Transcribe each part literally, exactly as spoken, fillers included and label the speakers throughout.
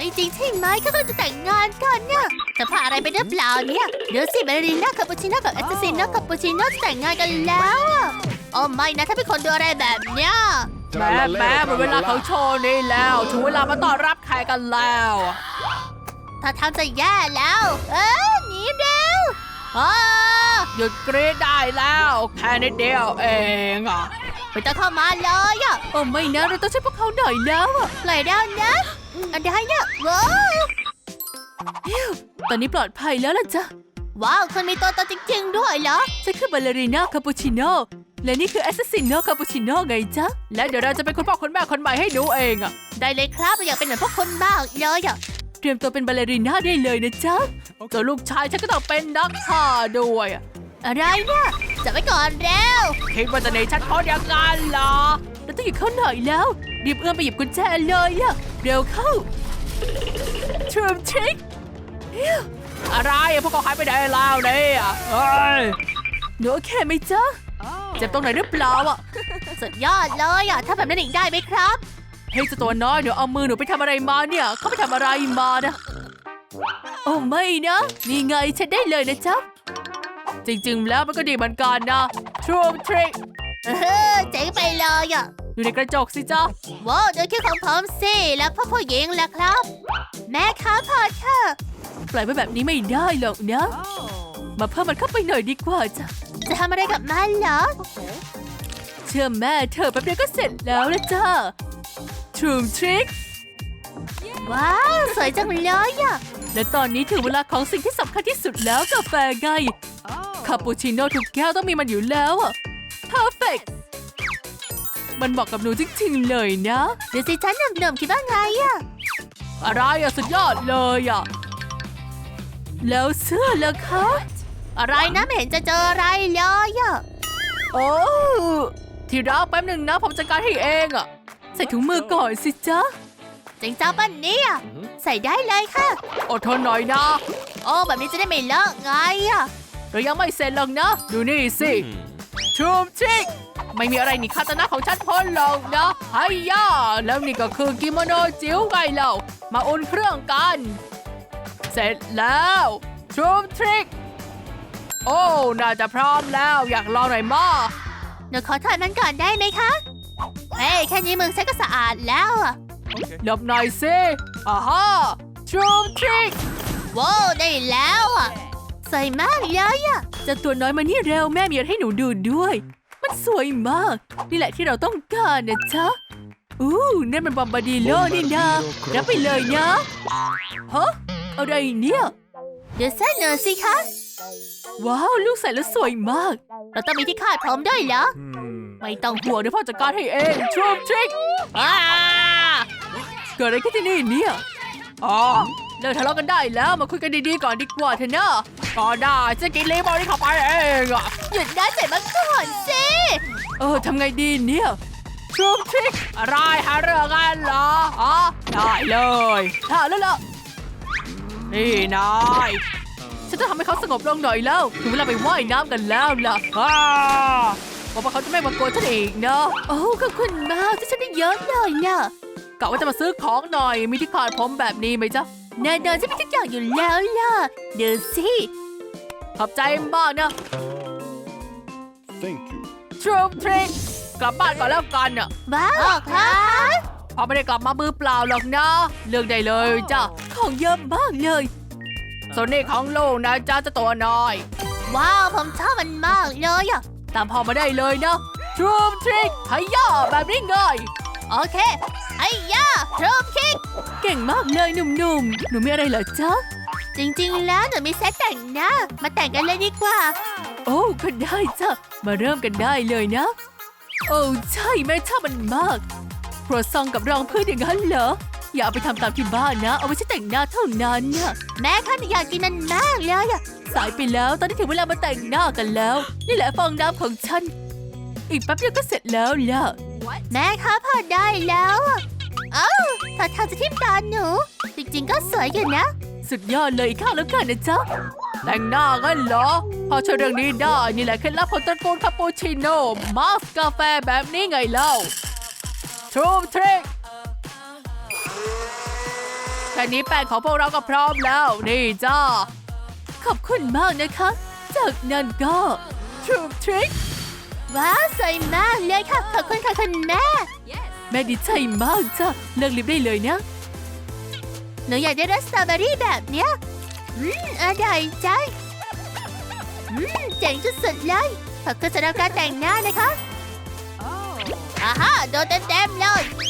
Speaker 1: ไม่จริงใช่ไหมเขาก็จะแต่งงานกันเนี่ยจะพาอะไรไปหรือเปล่าเนี่ยเดี๋ยวสิเบลลิน่าคาปูชิโน่กับแอสซัสซินโน่คาปูชิโน่จะแต่งงานกันแล้วอะโอ้ไม่นะถ้าเป็นคนดูอะไรแบบเนี้ย
Speaker 2: แม่แม่หมดเวลาเขาโชว์นี่แล้วถึงเวลามาต้อนรับแขกกันแล้ว
Speaker 1: ถ้าทำจะแย่แล้ว เออหนีเร็วอ้า
Speaker 2: หยุดกรีดได้แล้วแค่นิดเดียวเองอ่ะ
Speaker 1: ไม่ต้องเข้ามาเลยอ่ะ
Speaker 2: โอ้ไม่นะเราต้องช่วยพวกเขาหน่อยแล้วอ่ะ
Speaker 1: ปล่อยแล้วนะอันใดเนี่ยว้าว
Speaker 2: ตอนนี้ปลอดภัยแล้วล่ะจ้ะ
Speaker 1: ว้าวคุณมีตัวตนจริงๆด้วยเหรอ
Speaker 2: ฉันคือบาลเลรีน่าคาปูชิโน่และนี่คือแอสซัสซินโน่คาปูชิโน่ไงจ๊ะและเดี๋ยวเราจะเป็นคุณพ่อคุณแม่คนใหม่ให้หนูเองอ่ะ
Speaker 1: ได้เลยครับเราอยากเป็นเหมือนพวกคนมากเลยอ่ะ
Speaker 2: เตรียมตัวเป็นบาลเลรีน่าได้เลยนะจ๊ะส่วนลูกชายฉันก็ต้องเป็นนักข่าด้วยอ่ะ
Speaker 1: อะไรเนี่ยจับไว้ก่อนเร็ว
Speaker 2: คิดว่าจะหนีฉันพ้นอย่างนั้นเหรอเราต้องหยิบเข้าหน่อยแล้วรีบเอื้อมไปหยิบกุญแจเลยอะเร็วเข้าทรูมทริกอะไรอะพวกเขาหายไปไหนแล้วเนี่ยเอ้ยหนูโอเคไหมจ๊ะเจ็บตรงไหนหรือเปล่าอะ
Speaker 1: สุดยอดเลยอ่ะถ้าแบบนั้นอีกได้ไหมครับ
Speaker 2: เฮ้ยเจ้าตัวน้อยเดี๋ยวเอามือหนูไปทำอะไรมาเนี่ยเขาไปทำอะไรมานะโอ้ไม่นะนี่ไงฉันได้เลยนะจ๊ะจริงๆแล้วมันก็ดีเหมือนกันนะทรูมทริก
Speaker 1: เออเจ๋งไปเลยอ่ะ
Speaker 2: อยู่ในกระจกสิจ๊ะ
Speaker 1: ว้าวดูคิ้วของผมสิแล้วพ่อผู้หญิงล่ะครับ แม่ครับพอเถอะ
Speaker 2: ปล่อยไว้แบบนี้ไม่ได้หรอกนะ มาเพิ่มมันเข้าไปหน่อยดีกว่าจ้ะ
Speaker 1: จะทำอะไรกับมันเหรอ
Speaker 2: เชื่อแม่เธอแป๊บเดียวก็เสร็จแล้วละจ้าทรูมทริก
Speaker 1: ว้าวสวยจังเลยอ่ะ
Speaker 2: และตอนนี้ถึงเวลาของสิ่งที่สำคัญที่สุดแล้วกาแฟไงคาปูชิโน่ทุกแก้วต้องมีมันอยู่แล้วอะ perfect มันเหมาะกับหนูจริงๆเลยนะ
Speaker 1: เดี๋ยวสิฉันหนุ่มๆคิดว่าไงอ่ะ
Speaker 2: อะไรอะสุดยอดเลยอะแล้วเสื้อล่ะคะ
Speaker 1: อะไรนะไม่เห็นจะเจออะไรเลยอ่ะ
Speaker 2: โอ้ที่รักแป๊บหนึ่งนะผมจัดการให้เองอะใส่ถุงมือก่อนสิจ๊ะ
Speaker 1: จริงจ้าปั้นนี้อ่ะใส่ได้เลยค่ะ
Speaker 2: อดทนหน่อยนะ
Speaker 1: โอ้แบบนี้จะได้ไม่เลอะไงอ่ะ
Speaker 2: เรายังไม่เสร็จหรอกนะ ดูนี่สิทรูมทริกไม่มีอะไรหนีคาตานะของฉันพ้นหรอกนะไฮย่าแล้วนี่ก็คือกิโมโนจิ๋วไงเรามาอุ่นเครื่องกัน เสร็จแล้วทรูมทริกโอ้น่าจะพร้อมแล้วอยากลองหน่อยมั้ย
Speaker 1: หนูขอถอดมันก่อนได้ไหมคะ เฮ้ยแค่นี้มือฉันก็สะอาดแล้วอ่ะ
Speaker 2: หลบหน่อยสิอ่าฮะทรูมทริก
Speaker 1: ว้าวได้แล้วอ่ะสวยมากเลยอ่ะ
Speaker 2: จะตัวน้อยมานี่เร็วแม่มีอะไรให้หนูดูด้วย มันสวยมาก นี่แหละที่เราต้องการนะจ๊ะอู้นั่นมันบอมบาดิโลนี่นะรับไปเลยนะฮะอะไรเนี่ย
Speaker 1: เดี๋ยวเส้นหน่อยสิคะ
Speaker 2: ว้าวลูกใส่แล้วสวยมาก
Speaker 1: เราต้องมีที่คาดผมด้วยเหรอ
Speaker 2: ไม่ต้องห่วงเดี๋ยวพ่อจัดการให้เองทรูมทริกอ้าเกิดอะไรขึ้นที่นี่เนี่ยอ๋อเลิกทะเลาะกันได้แล้วมาคุยกันดีๆก่อนดีกว่าเถอะนะก็ได้จะกินเลมอนนี่เข้าไปเองอะ
Speaker 1: หยุดได้เสร็จมาก่อนสิ
Speaker 2: เออทำไงดีเนี่ยทรูมทริกอะไรหาเรื่องกันเหรออ๋อได้เลยถ้าแล้วล่ะนี่นายฉันจะทำให้เขาสงบลงหน่อยแล้วถึงเวลาไปว่ายน้ำกันแล้วล่ะอ้าบอกว่าเขาจะไม่มากวนฉันอีกนะ
Speaker 1: โอ้ขอบคุณมากที่ฉันได้เยอะเลยน่ะ
Speaker 2: กะว่าจะมาซื้อของหน่อยมีที่คาดผมแบบนี้ไหมจ๊ะ
Speaker 1: แน่นอนฉันมีทุกอย่างอยู่แล้วล่ะเดี๋ยวสิ
Speaker 2: ขอบใจมากนะ
Speaker 3: Thank you.
Speaker 2: ทรูมทริกกลับบ้านก่อนแล้วกันอ่ะ
Speaker 1: ว้าวครับ
Speaker 2: พอไม่ได้กลับมามือเปล่าหรอกนะเลือกได้เลยจ้ะของเยอะมากเลยส่วนนี้ของลูกนะจ้าจะตัวน้อย
Speaker 1: ว้าวผมชอบมันมากเลยอ่ะ
Speaker 2: ตามพ่อมาได้เลยนะทรูมทริกไฮย่าแบบนี้ไง
Speaker 1: โอเคไอ้ย่าทรูมคิก
Speaker 2: เก่งมากเลยหนุ่มๆหนูมีอะไรเหรอจ๊ะ
Speaker 1: จริงๆแล้วหนูมีเซตแต่งหน้ามาแต่งกันเลยดีกว่า
Speaker 2: โอ้ก็ได้จ้ะมาเริ่มกันได้เลยนะ โอ้ใช่แม่ชอบมันมากครัวซองกับรองพื้นอย่างนั้นเหรออย่าเอาไปทำตามที่บ้านนะเอาไว้ใช้แต่งหน้าเท่านั้นน่ะ
Speaker 1: แม่คะหนูอยากกินมันมากเลยอ่ะ
Speaker 2: สายไปแล้วตอนนี้ถึงเวลามาแต่งหน้ากันแล้ว นี่แหละฟองน้ำของฉัน อีกแป๊บเดียวก็เสร็จแล้วล่ะ
Speaker 1: แม่คะพอได้แล้วอะเอ้าถ้าทางจะทิ่มตาหนู จริงๆก็สวยอยู่นะ
Speaker 2: สุดยอดเลยอีกข้างแล้วกันนะจ๊ะแต่งหน้ากันเหรอ พอช่วยเรื่องนี้ได้นี่แหละเคล็ดลับของตระกูลคาปูชิโน่มาสกาแฟแบบนี้ไงเล่าทรูมทริกแค่นี้แป้งของพวกเราก็พร้อมแล้ว นี่จ้า ขอบคุณมากนะคะ จากนั้นก็ทรูทริค
Speaker 1: ว้าวสวยมากเลยค่ะขอบคุณค่ะคุณแม่
Speaker 2: แม่ดีใจมากจ้ะเลิกลิฟต์ได้เลยนะ
Speaker 1: หนูอยากได้รสสตรอเบอรี่แบบเนี้ยอืมอร่อยจังอืมเจ๋งสุดๆเลยขอบคุณสำหรับการแต่งหน้านะคะอาฮะโดนเต็มๆเลย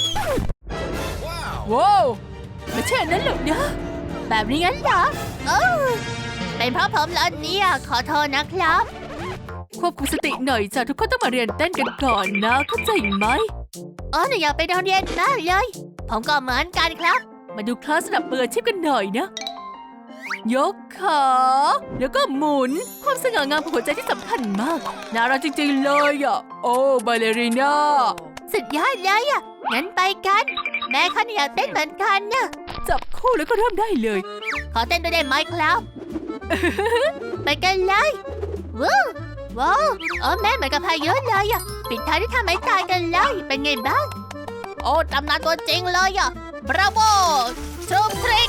Speaker 2: ว้าวไม่ใช่อันนั้นหรอกนะ
Speaker 1: แบบนี้งั้นเหรอโอ้เป็นเพราะผมเหรอเนี่ยขอโทษนะครับ
Speaker 2: ควบคุมสติหน่อยจ้ะทุกคนต้องมาเรียนเต้นกันก่อนนะ เข้าใจไหม
Speaker 1: อ๋อหนูอยากไปโรงเรียนมากเลย ผมก็เหมือนกันครับ
Speaker 2: มาดูคลาสสนับมืออาชีพกันหน่อยนะ ยกขาแล้วก็หมุน ความสง่างามของหัวใจที่สำคัญมาก น่ารักจริงๆเลยอ่ะ โอ้บาเลรีน่า
Speaker 1: สุดยอดเลยอ่ะงั้นไปกัน แม่เขาอยากเต้นเหมือนกันนะ
Speaker 2: จับคู่แล้วก็เริ่มได้เลย
Speaker 1: ขอเต้นด้วยได้ไหมครับ ไปกันเลยว้าวว้าวอ๋อแม่เหมือนกับพายุเลยอ่ะปิดท้ายที่ทำไม้ตายกันเลยเป็นไงบ้าง โอ้ตำนานตัวจริงเลยอ่ะบราโวชูทริก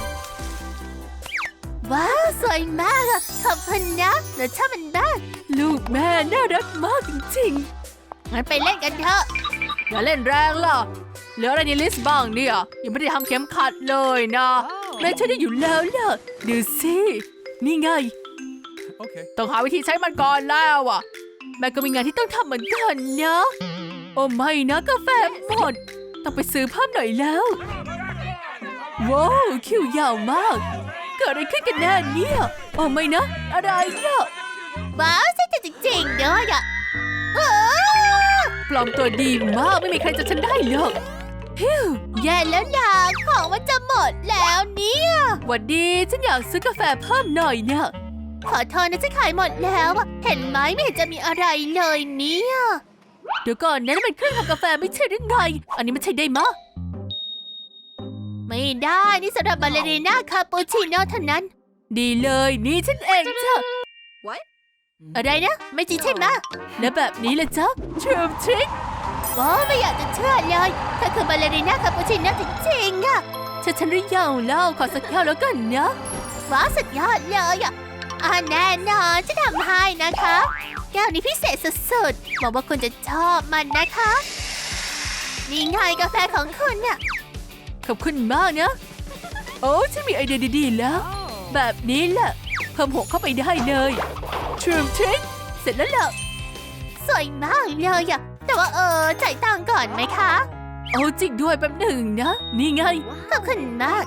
Speaker 1: ว้าวสวยมากอ่ะขอบคุณนะหนูชอบมันบ้าง
Speaker 2: ลูกแม่น่ารักมากจริง
Speaker 1: งั้นไปเล่นกันเถอะ
Speaker 2: ๆ อย่าเล่นแรงล่ะ เหลืออะไรในลิสต์บ้างเนี่ยยังไม่ได้ทำเข็มขัดเลยนะแม่ใช้ได้อยู่แล้วล่ะดูสินี่ไง
Speaker 3: Okay.
Speaker 2: ต้องหาวิธีใช้มันก่อนแล้วอ่ะ แม่ก็มีงานที่ต้องทำเหมือนกันนะ โอ้ไม่นะกาแฟหมด ต้องไปซื้อเพิ่มหน่อยแล้ว ว้าวคิวยาวมาก เกิดอะไรขึ้นกันแน่เนี่ยโอ้ไม่นะ อะไรเนี่ย
Speaker 1: ว้าวใช่จริงๆด้วยอ่ะเออ
Speaker 2: ปลอมตัวดีมากไม่มีใครจะฉันได้หรอกฮิว
Speaker 1: แย่แล้วนะของมันจะหมดแล้วเนี่ย
Speaker 2: หวัดดีฉันอยากซื้อกาแฟเพิ่มหน่อยเนี่ย
Speaker 1: ขอโทษนะจะขายหมดแล้วอะเห็นไหมไม่เห็นจะมีอะไรเลยเนี่ย
Speaker 2: เดี๋ยวก่อนนะนั่นเป็นเครื่องทำกาแฟไม่ใช่หรือไง อันนี้มันใช่ได้มะ
Speaker 1: ไม่ได้นี่สำหรับบาเลรีน่าคาปูชิโน่เท่านั้น
Speaker 2: ดีเลยนี่ฉันเองจ้ะ
Speaker 1: อะไรนะ ไม่จริงใช่ไหม
Speaker 2: และแบบนี้ละจ๊ะทรูทริค
Speaker 1: ว้าวไม่อยากจะเชื่อเลยเธอคือบาเลรีน่าคาปูชิโน่จริงๆอะ
Speaker 2: ฉันฉันหรือยังเล่าขอสักแก้วแล้วกันนะ
Speaker 1: ว้าวสุดยอดเลยอะอ่าแน่นอนจะทำให้นะคะแก้วนี้พิเศษสุดๆหวังว่าคุณจะชอบมันนะคะนี่ไงกาแฟของคุณเนี่ย
Speaker 2: ขอบคุณมากนะ โอ้ฉันมีไอเดียดีๆแล้ว แบบนี้แหละเพิ่มหกเข้าไปได้เลยทรูทริคเสร็จแล้วล่ะ
Speaker 1: สวยมากเลยอะแต่ว่าเออจ่ายตังค์ก่อนไหมคะ
Speaker 2: โอ้จริงด้วยแป๊บหนึ่งนะ นี่ไง
Speaker 1: ขอบคุณมาก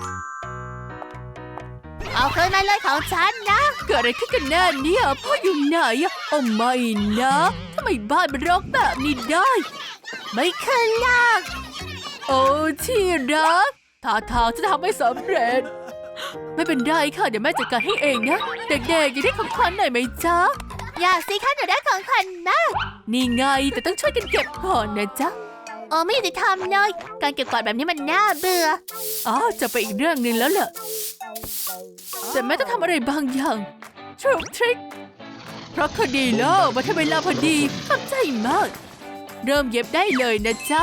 Speaker 1: เอาคืนมาเลยของฉันนะ
Speaker 2: เกิดอะไรขึ้นกันแน่เนี่ยพ่ออยู่ไหนอะโอ้ไม่นะทำไมบ้านมันรกแบบนี้ได้
Speaker 1: ไม่คืนหรอก
Speaker 2: โอ้ที่รักท่าทางจะทำไม่สำเร็จ ไม่เป็นไรค่ะ เดี๋ยวแม่จัดการให้เองนะ เด็กๆอยากได้ของขวัญหน่อยไหมจ๊ะ
Speaker 1: อยากสิคะหนูได้ของขวัญมาก
Speaker 2: นี่ไงแต่ต้องช่วยกันเก็บก่อนนะจ๊ะ
Speaker 1: โอ้ไม่ยุติธรรมเลย การเก็บกวาดแบบนี้มันน่าเบื่อ
Speaker 2: อ๋อจะไปอีกเรื่องหนึ่งแล้วเหรอแต่แม่ต้องทำอะไรบางอย่างทรูทริคเพราะคดีแล้วมาทำเวลาพอดีขอบใจมาก เริ่มเย็บได้เลยนะจ๊ะ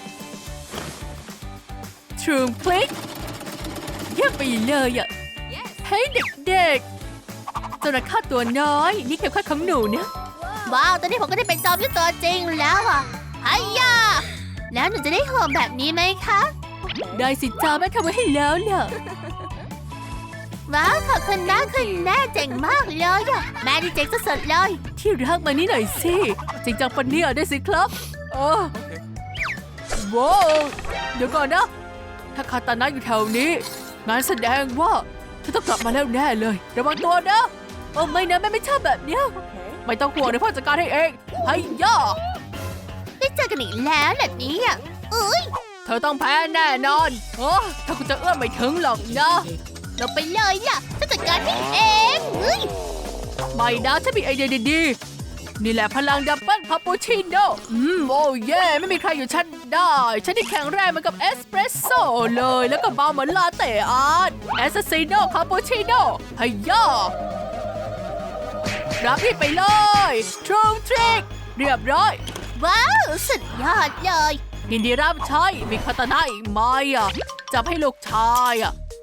Speaker 2: ทรูคลิกเยี่ยมไปเลยอ่ะเฮ้ยเด็กๆเจ้าหน้าข้าตัวน้อย นี่เข็มขัดของหนูนะ
Speaker 1: ว้าวตอนนี้ผมก็ได้เป็นจอมยุทธตัวจริงแล้วอ่ะไอ้ยาแล้วหนูจะได้ห่วงแบบนี้ไหมคะ
Speaker 2: ได้สิจ้าแม่ทำไว้ให้แล้วล่ะ
Speaker 1: ว้าวขอบคุณนะคุณแม่เจ๋งมากเลยอะแม่ที่เจ๋งสุดๆเลย
Speaker 2: ที่รักมานี่หน่อยสิจริงจังปะเนี่ยได้สิครับโอ้ว้าวเดี๋ยวก่อนนะ ถ้าคาตานะอยู่แถวนี้งานแสดงว่าฉันต้องกลับมาแล้วแน่เลยระวังตัวนะโอ้ไม่นะแม่ไม่ชอบแบบเนี้ยไม่ต้องห่วงเดี๋ยวพ่อจัดการให้เองให้ย่า
Speaker 1: ได้เจอกันอีกแล้วแบบนี้อ่ะอุ้ย
Speaker 2: เธอต้องแพ้แน่นอนโอ้ถ้าคุณจะเอื้อมไม่ถึงหรอกนะ
Speaker 1: เราไปเลยอ่ะจะจัดการให้เองเฮ้ย
Speaker 2: ไม่นะฉันมีไอเดียดีๆนี่แหละพลังดับเบิลคาปูชิโน่อืมโอ้เย่ไม่มีใครอยู่ฉันได้ฉันที่แข็งแรงเหมือนกับเอสเปรสโซ่เลยแล้วก็เบาเหมือนลาเต้อาร์ตเอสซิโน่คาปูชิโน่ให้ย่ารับพี่ไปเลยทรูทริคเรียบร้อย
Speaker 1: ว้าวสุดยอดเลย
Speaker 2: ยินดีรับใช้มีคาตานะอีกไหมอ่ะจับให้ลูกชายอ่ะ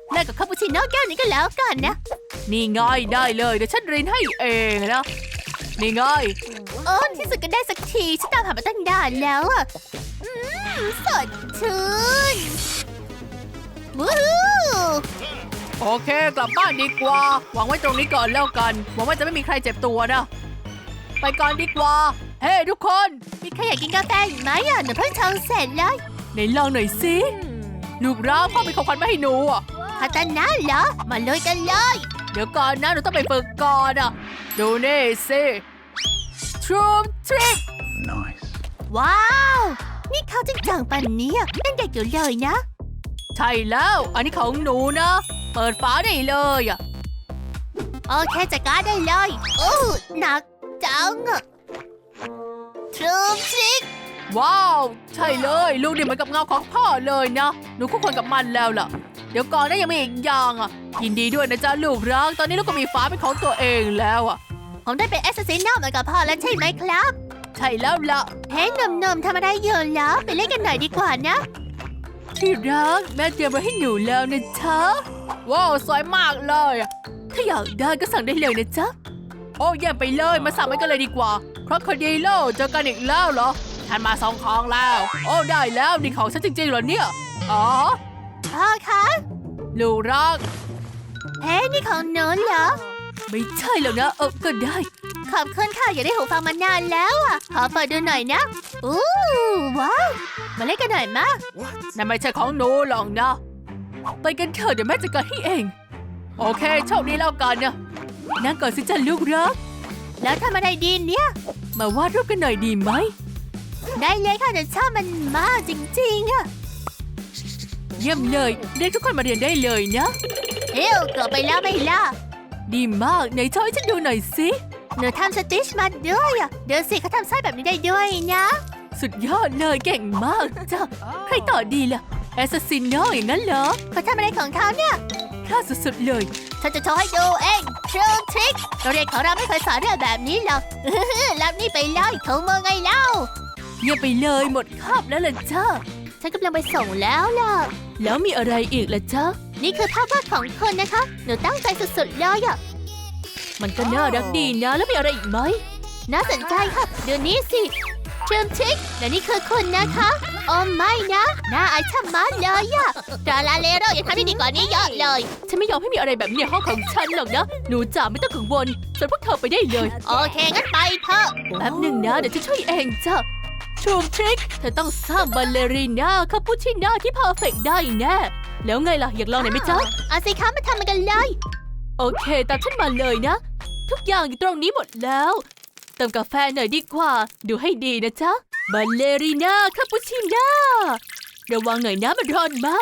Speaker 1: แลกกับคาปูชิโน่แก้วนี้ก็แล้วกันนะ
Speaker 2: นี่ไง่ายได้เลยเดี๋ยวฉันรินให้เองนะนี่ไง่าย
Speaker 1: โอ้ที่สุดก็ได้สักทีฉันตามหามาตั้งนานแล้วอ่ะอืมสดชื่นวู้ฮู้
Speaker 2: โอเคกลับบ้านดีกว่าวางไว้ตรงนี้ก่อนแล้วกันหวังว่าจะไม่มีใครเจ็บตัวนะไปก่อนดีกว่าเฮ้ hey, ทุกคน
Speaker 1: มีใครอยากกินกาแฟอีกไหมอ่ะหนูเพิ่งชงเสร็จเลย
Speaker 2: ไหนลองหน่อยสิลูกรักพ่อเป็นของขวัญมาให้หนูอ่ะ
Speaker 1: คาตานะเหรอมาเลยกันเลย
Speaker 2: เดี๋ยวก่อนนะหนูต้องไปฝึกก่อนอ่ะดูนี่สิทรูมทริก
Speaker 3: Nice.
Speaker 1: ว้าว นี่เขาจริงจังปันเนี้ยยังเด็กอยู่เลยนะ
Speaker 2: ใช่แล้วอันนี้ของหนูนะเปิดฝาได้เลยอ่ะ
Speaker 1: โอเคจัดการได้เลยโอ้หนักจังอะทรูมทริก
Speaker 2: ว้าวใช่เลยลูกนี่เหมือนกับเงาของพ่อเลยนะหนูคู่ควรกับมันแล้วล่ะเดี๋ยวก่อนนะยังมีอีกอย่างอ่ะยินดีด้วยนะจ๊ะลูกรักตอนนี้ลูกก็มีฝาเป็นของตัวเองแล้วอ่ะ
Speaker 1: ผมได้เป็นแอสซัสซินเหมือนกับพ่อแล้วใช่ไหมครับ
Speaker 2: ใช่แล้วล่ะ
Speaker 1: เฮ้ยหนุ่มๆทำอะไรอยู่แล้วไปเล่นกันหน่อยดีกว่านะ
Speaker 2: ที่รักแม่เตรียมไว้ให้หนูแล้วนะจ๊ะว้าวสวยมากเลยอะถ้าอยากได้ก็สั่งได้เลยนะจ๊ะโอ้เยี่ยมไปเลยมาสั่งไว้กันเลยดีกว่าเพราะคดีโลเจอกันอีกแล้วเหรอฉันมาสองของแล้ว โอ้ได้แล้วนี่ของฉันจริงๆเหรอเนี่ยอ๋อ
Speaker 1: พ่อคะ
Speaker 2: ลูกรัก
Speaker 1: เฮ้ยนี่ของหนูเหรอ
Speaker 2: ไม่ใช่แล้วนะเออก็ได้
Speaker 1: ขอบคุณค่ะอยากได้หูฟังมานานแล้วอ่ะขอเปิดดูหน่อยนะอู้ว้าวมาเล่นกันหน่อยมา
Speaker 2: นั่นไม่ใช่ของหนูหรอกนะไปกันเถอะเดี๋ยวแม่จัดการให้เองโอเคโชคดีแล้วกันนะนั่งก่อนสิจ้ะลูกรัก
Speaker 1: แล้วทำอะไรดีเนี่ย
Speaker 2: มาวาดรูปกันหน่อยดีไหม
Speaker 1: ได้เลยค่ะหนูชอบมันมากจริงๆอะ
Speaker 2: เยี่ยมเลยเรียกทุกคนมาเรียนได้เลยนะ
Speaker 1: เอ้วเกือบไปแล้วไม่ล่ะ
Speaker 2: ดีมากไหนช่วยฉันดูหน่อยสิ
Speaker 1: หนูทำสติชมาด้วยอะเดี๋ยวสิเขาทำไส้แบบนี้ได้ด้วยนะ
Speaker 2: สุดยอดเลยเก่งมากจ้ะใครต่อดีล่ะแอสซัสซินโนอย่างนั้นเหรอ
Speaker 1: เขาทำอะไรของเขาเนี่ย
Speaker 2: พลาดสุดๆเลย
Speaker 1: ฉันจะโชว์ให้ดูเองทรูทริกโรงเรียนของเราไม่เคยสอนเรื่องแบบนี้หรอก รับนี่ไปเลยถุงมือไงเล่า
Speaker 2: เยี่ยมไปเลยหมดคาบแล้วล่ะจ้า
Speaker 1: ฉันกำลังไปส่งแล้วล่ะ
Speaker 2: แล้วมีอะไรอีกล่ะจ้า
Speaker 1: นี่คือภาพวาดของคุณนะคะ หนูตั้งใจสุดๆเลยอะ
Speaker 2: มันก็น่ารักดีนะแล้วมีอะไรอีกไหม
Speaker 1: น่าสนใจค่ะดูนี่สิทรูทริกและนี่คือคุณนะคะโอ้ไม่นะน่าอายชะมัดเลยอะดาราเลโรอย่าทำได้ดีกว่านี้เยอะเลย
Speaker 2: ฉันไม่ยอมให้มีอะไรแบบนี้ในห้องของฉันหรอกนะหนูจ๋าไม่ต้องกังวลส่วนพวกเธอไปได้เลย
Speaker 1: โอเคงั้นไปเถอะ
Speaker 2: แป๊บหนึ่งนะเดี๋ยวฉันช่วยเองจ้ะชูมทริกเธอต้องสร้างบัลเลรีน่าคาปูชิน่าที่เพอร์เฟกต์ได้แน่แล้วไงล่ะอยากลองหน่อยไหมจ๊ะ
Speaker 1: เอาสิคะมาทำมันกันเลย
Speaker 2: โอเคตามฉันมาเลยนะ ทุกอย่างอยู่ตรงนี้หมดแล้วเติมกาแฟหน่อยดีกว่าดูให้ดีนะจ๊ะบัลเลรีน่าคาปูชิน่าระวังหน่อยนะมันร้อนมาก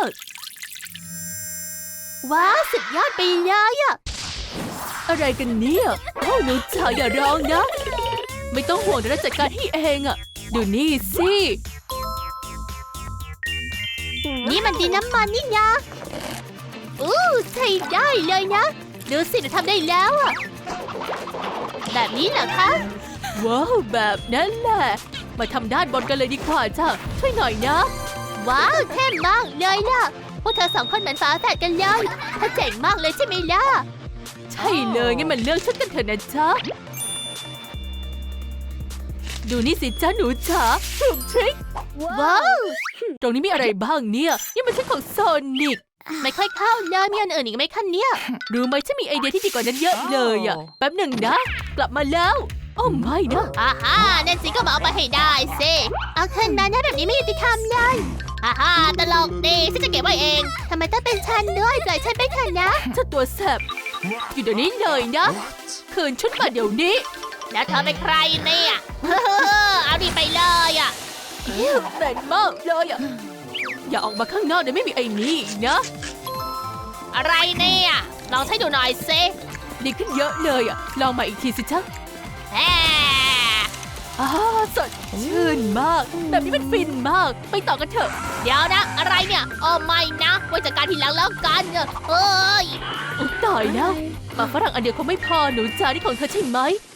Speaker 1: ว้าวสุดยอดไปเลยอะ
Speaker 2: อะไรกันเนี่ยโอ้หนูจ๋าอย่าร้องนะ ไม่ต้องห่วงเดี๋ยวเราจัดการให้เองอะดูนี่สิ
Speaker 1: นี่มันดินน้ำมันนี่นะอู้ใช้ได้เลยนะดูสิหนูทำได้แล้วอะแบบนี้เหรอคะ
Speaker 2: ว้าวแบบนั้นแหละมาทำด้านบนกันเลยดีกว่าจ้ะช่วยหน่อยนะ
Speaker 1: ว้าวเท่มากเลยล่ะพวกเธอสองคนเหมือนฝาแฝดกันเลยถ้าเจ๋งมากเลยใช่ไหมล่ะ
Speaker 2: ใช่เลยงั้นมันเลือกชุดกันเถอะนะจ๊ะดูนี่สิจ้าหนูจ๋าถูกทริค
Speaker 1: ว้าว
Speaker 2: ตรงนี้มีอะไรบ้างเนี่ยนี่มันชุดของโซนิก
Speaker 1: ไม่ค่อยเข้าเลยมีอันอื่นอีกไหมคะเนี่ย
Speaker 2: รู้ไหมฉันมีไอเดียที่ดีกว่านั้นเยอะเลยอะแป๊บหนึ่งนะ กลับมาแล้วโอ้ไม่นะ
Speaker 1: อาฮ่านั่นสิก็มาเอาไปให้ได้สิเอาคืนมานะแบบนี้ไม่ยุติธรรมเลยอาฮ่าตลกดีฉันจะเก็บไว้เองทำไมต้องเป็นฉันด้วยปล่อยฉันไปเถอะนะ
Speaker 2: เจ้าตัวแสบอยู่เดี๋ยวนี้เลยนะ คืนชุดมาเดี๋ยวนี้
Speaker 1: แล้วเธอเป็นใครเนี่ย เอาดีไปเลยอ่ะ
Speaker 2: แรงมากเลยอะอย่าออกมาข้างนอกเดี๋ยวไม่มีไอ้นี่อีกนะ
Speaker 1: อะไรเนี่ยลองใช้ดูหน่อยสิ
Speaker 2: ดีขึ้นเยอะเลยอะลองมาอีกทีสิจ๊ะ
Speaker 1: แฮ่
Speaker 2: อ้าสดชื่นมาก แบบนี้มันฟินมาก ไปต่อกันเถอะ
Speaker 1: เดี๋ยวนะ อะไรเนี่ยโอ้ไม่นะไว้จัดการทีหลังแล้วกันเอ้ย
Speaker 2: อุ๊ยตายแล้วปากฝรั่งอันเดียวคงไม่พอหนูจ๋านี่ของเธอใช่ไหม